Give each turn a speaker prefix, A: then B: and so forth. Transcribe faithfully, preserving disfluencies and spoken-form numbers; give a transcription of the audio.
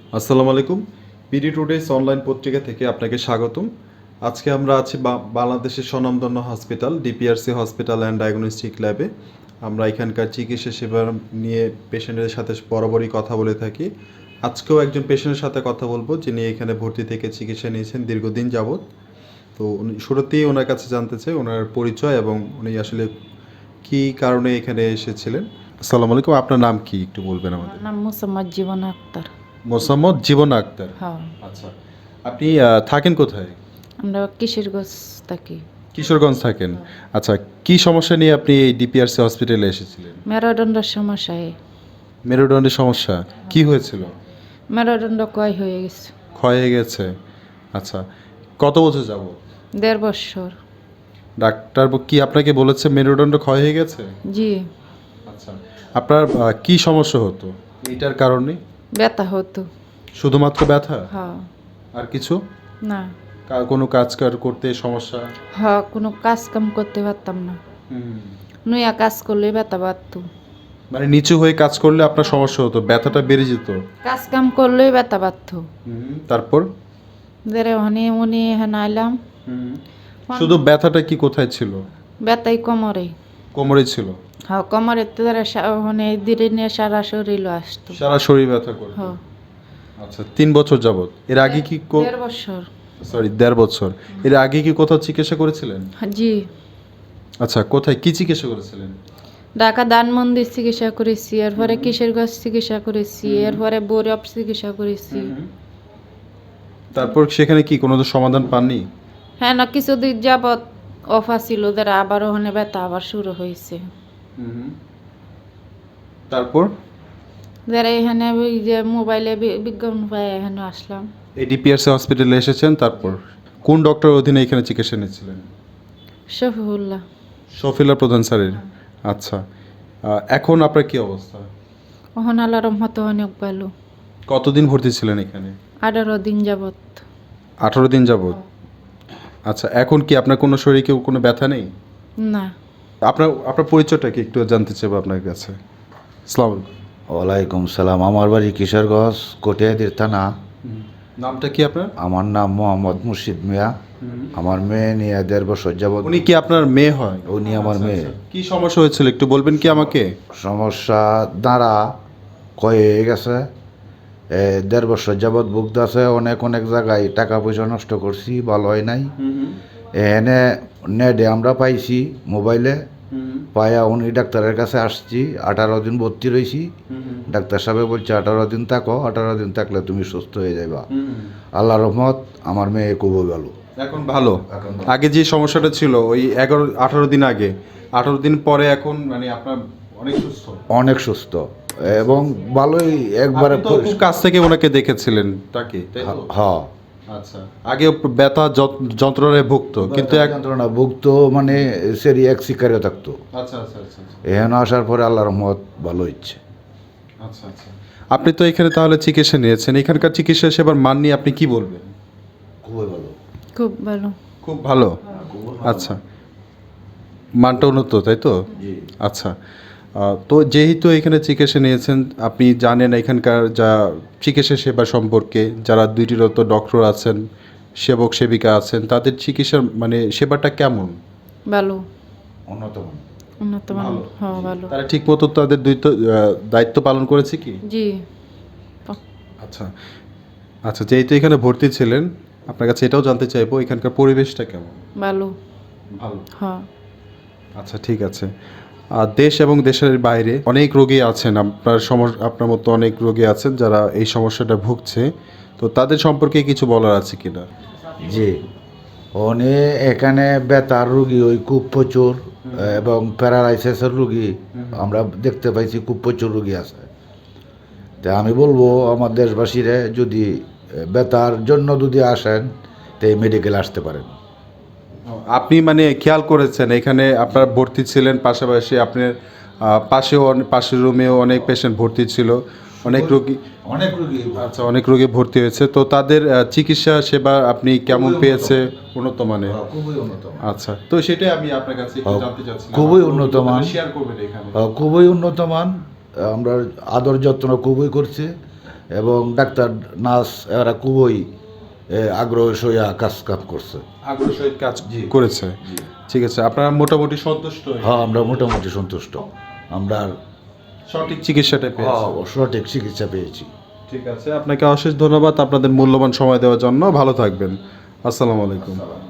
A: আসসালামু আলাইকুম। PD today's online পত্রিকা থেকে আপনাকে স্বাগতম। আজকে আমরা আছি বা- বাংলাদেশের স্বনামধন্য hospital DPRC hospital and diagnostic ল্যাবে। আমরা এখানকার চিকিৎসা সেবা নিয়ে পেশেন্টের সাথে বরাবরই কথা বলে থাকি। আজকেও একজন পেশেন্টের সাথে কথা বলবো যিনি এখানে ভর্তি থেকে চিকিৎসা নিয়েছেন দীর্ঘদিন যাবৎ। তো উনি শুরুতেই ওনার কাছে জানতে চাই ওনার পরিচয় এবং উনি আসলে কী কারণে এখানে এসেছিলেন। আসসালামু আলাইকুম, আপনার নাম কি একটু বলবেন আমাদের?
B: আমার নাম মোসাম্মদ জীবন আক্তার।
A: মোসাম্মদ জীবন আক্তার।
B: হ্যাঁ,
A: আচ্ছা, আপনি আহ, থাকেন কোথায়?
B: আমরা কিশোরগঞ্জ থাকি।
A: কিশোরগঞ্জ থাকেন। আচ্ছা, কি সমস্যা নিয়ে আপনি এই ডিপিআরসি হসপিটালে এসেছিলেন?
B: মেরুদণ্ডের সমস্যায়
A: মেরুদণ্ডের সমস্যা কি হয়েছিল?
B: মেরুদণ্ড ক্ষয় হয়ে গেছে
A: ক্ষয় হয়ে গেছে। আচ্ছা, কত বছর যাব?
B: দেড় বছর।
A: ডাক্তার ব- কি আপনাকে বলেছে মেরুদণ্ড ক্ষয় হয়ে গেছে?
B: জি,
A: আচ্ছা, আপনার আহ, কি সমস্যা হতো এটার কারণে?
B: ব্যথা হতো।
A: শুধুমাত্র ব্যথা?
B: হ্যাঁ,
A: আর কিছু?
B: না,
A: কা- কোনো কাজ কার করতে সমস্যা?
B: হ্যাঁ, কোনো কাজ কাম করতে পারতাম না। নুয়া কাজ করলে ব্যথা বাড়তো।
A: মানে নিচু হয়ে কাজ করলে আপনার সমস্যা হতো, ব্যথাটা বেড়ে যেত?
B: কাজ কাম করলে ব্যথা বাড়তো।
A: তারপর?
B: দেরে হনে মনে হ্যাঁ আইলাম।
A: শুধু ব্যথাটা কি কোথায় ছিল?
B: ব্যথাই কোমরে।
A: কোমরে ছিল?
B: হ্যাঁ, কোমরে ধরে মানে ধীরে নিয়ে সারা শরীর আসতো।
A: সারা শরীর ব্যথা করতো?
B: হ্যাঁ,
A: আচ্ছা, তিন বছর যাবত। এর আগে কি
B: দেড় বছর।
A: সরি দেড় বছর। এর আগে কি কোথাও চিকিৎসা করেছিলেন?
B: জি,
A: আচ্ছা, কোথায় কি চিকিৎসা করেছিলেন?
B: ঢাকা ধানমন্দির চিকিৎসা করেছি, এরপরে কিশোরগঞ্জ চিকিৎসা করেছি, এরপরে বৈরব চিকিৎসা করেছি।
A: তারপর সেখানে কি কোনো তো সমাধান পাননি?
B: হ্যাঁ, না কিছুদিন যাবৎ অফা ছিল, যারা আবার ওখানে ব্যথা আবার শুরু হয়েছে।
A: তারপর
B: যারা এখানে ওই যে মোবাইলে বি- বিজ্ঞাপন পায় এখানে আসলাম।
A: এই ডিপিআরসি হসপিটালে এসেছেন, তারপর কোন ডক্টরের অধীনে এখানে চিকিৎসা নিচ্ছিলেন?
B: শফিউল্লাহ।
A: শফিলা প্রধান স্যারের। আচ্ছা, আহ, এখন আপনার কি অবস্থা?
B: ওখান আল্লাহ রহমত অনেক ভালো।
A: কতদিন ভর্তি ছিলেন এখানে?
B: আঠারো দিন যাবৎ।
A: আঠারো দিন যাবত। আচ্ছা, এখন কি আপনার কোনো শরীরে কেউ কোনো ব্যথা নেই?
B: না,
A: আপনার আপনার পরিচয়টা কি একটু জানতে চাইবো আপনার কাছে। আসসালামু আলাইকুম।
C: ওয়ালাইকুম সালাম। আমার বাড়ি কিশোরগঞ্জ কটিয়াদির থানা।
A: নামটা কি আপনার?
C: আমার নাম মোহাম্মদ মুর্শিদ মিয়া। আমার মেয়ে নিয়ে দেড় বছর যাবৎ।
A: উনি কি আপনার মেয়ে হয়?
C: উনি আমার
A: আচ্ছা,
C: মেয়ে।
A: আচ্ছা। কি সমস্যা হয়েছিল একটু বলবেন কি আমাকে?
C: সমস্যা দাঁড়া ক্ষয় হয়ে গেছে। এ, দেড় বছর যাবৎ ভুগতেছে। অনেক অনেক জায়গায় টাকা পয়সা নষ্ট করছি, ভালো হয় নাই। এনে নেটে আমরা পাইছি মোবাইলে পায়া উনি ডাক্তারের কাছে আসছি। আঠারো দিন ভর্তি রয়েছি। ডাক্তার সাহেব বলছে আঠারো দিন থাকো, আঠারো দিন থাকলে তুমি সুস্থ হয়ে যাবা। আল্লাহ রহমত, আমার মেয়ে খুবই ভালো।
A: এখন ভালো?
C: এখন ভালো।
A: আগে যে সমস্যাটা ছিল ওই এগারো আঠারো দিন আগে, আঠারো দিন পরে এখন মানে আপনার অনেক সুস্থ?
C: অনেক সুস্থ এবং ভালোই একবারে
A: আপনি তো খুব কাছ থেকে ওনাকে দেখেছিলেন তাকে, তাই তো?
C: হ্যাঁ।
A: আচ্ছা, আগে ব্যথা যত- যন্ত্রণায় ভুগতো কিন্তু এক
C: যন্ত্রণা ভুগতো, মানে সেরি এক শিকারে থাকতো।
A: আচ্ছা আচ্ছা আচ্ছা আচ্ছা।
C: এখানে আসার পরে আল্লাহ রহমত ভালো হচ্ছে।
A: আচ্ছা আচ্ছা, আপনি তো এখানে তাহলে চিকিৎসা নিয়েছেন, এখানকার চিকিৎসা সেবার মান নিয়ে আপনি কি বলবেন?
C: খুবই ভালো।
B: খুব ভালো।
A: খুব ভালো। আচ্ছা, মানটা উন্নত তাই তো?
C: জি।
A: আচ্ছা, আহ, তো যেহেতু এখানে চিকিৎসা নিয়েছেন আপনি জানেন এখানকার যা চিকিৎসা সেবা সম্পর্কে, যারা দুইটিরত ডক্টর আছেন, সেবক সেবিকা আছেন, তাদের চিকিৎসার মানে সেবাটা কেমন?
B: ভালো,
C: উন্নত মান।
B: উন্নত মান।
A: ভালো।
B: হ্যাঁ, ভালো।
A: তারা ঠিক মতো তাদের দ্বৈত আহ, দায়িত্ব পালন করেছে কি?
B: জি,
A: আচ্ছা আচ্ছা, যেহেতু এখানে ভর্তি ছিলেন আপনার কাছে এটাও জানতে চাইবো এখানকার পরিবেশটা কেমন?
B: ভালো।
A: ভালো।
B: হ্যাঁ,
A: আচ্ছা, ঠিক আছে। আর দেশ এবং দেশের বাইরে অনেক রোগী আছেন, আপনার সমস্যা আপনার মতো অনেক রোগী আছেন যারা এই সমস্যাটা ভুগছে, তো তাদের সম্পর্কে কিছু বলার আছে কিনা?
C: জি, উনি এখানে বেতার রুগী ওই খুব প্রচুর, এবং প্যারালাইসিসের রুগী আমরা দেখতে পাইছি খুব প্রচুর রুগী আছে। তা আমি বলবো আমার দেশবাসীরা যদি বেতার জন্য যদি আসেন তো এই মেডিকেল আসতে পারেন।
A: আপনি মানে খেয়াল করেছেন এখানে আপনার ভর্তি ছিলেন, পাশাপাশি আপনার আহ, পাশেও অনে- পাশের রুমেও অনেক পেশেন্ট ভর্তি ছিল, অনেক রোগী।
C: অনেক রুগী।
A: আচ্ছা, অনেক রোগী ভর্তি হয়েছে, তো তাদের আহ, চিকিৎসা সেবা আপনি কেমন পেয়েছে? উন্নত মানে?
C: খুবই উন্নত।
A: আচ্ছা, তো সেটাই আমি আপনার কাছে একটু
C: হ্যাঁ,
A: জানতে চাচ্ছিলাম।
C: খুবই
A: আপনার
C: উন্নত
A: অভিজ্ঞতাটা
C: মান।
A: শেয়ার করবেন এখানে।
C: খুবই উন্নত মান। আমরা আদর যত্ন খুবই করছি এবং ডাক্তার নার্স এরা খুবই এ, আগ্রহ সইয়া কাজ কাম করছে।
A: আগ্রহ সহিত কাজ করেছে। ঠিক আছে, আপনারা মোটামুটি সন্তুষ্ট?
C: হ্যাঁ, আমরা মোটামুটি সন্তুষ্ট। আমরা
A: সঠিক চিকিৎসাটা পেয়েছি?
C: হ্যাঁ, সঠিক চিকিৎসা পেয়েছি।
A: ঠিক আছে, আপনাকে অশেষ ধন্যবাদ আপনাদের মূল্যবান সময় দেওয়ার জন্য। ভালো থাকবেন। আসসালামু আলাইকুম।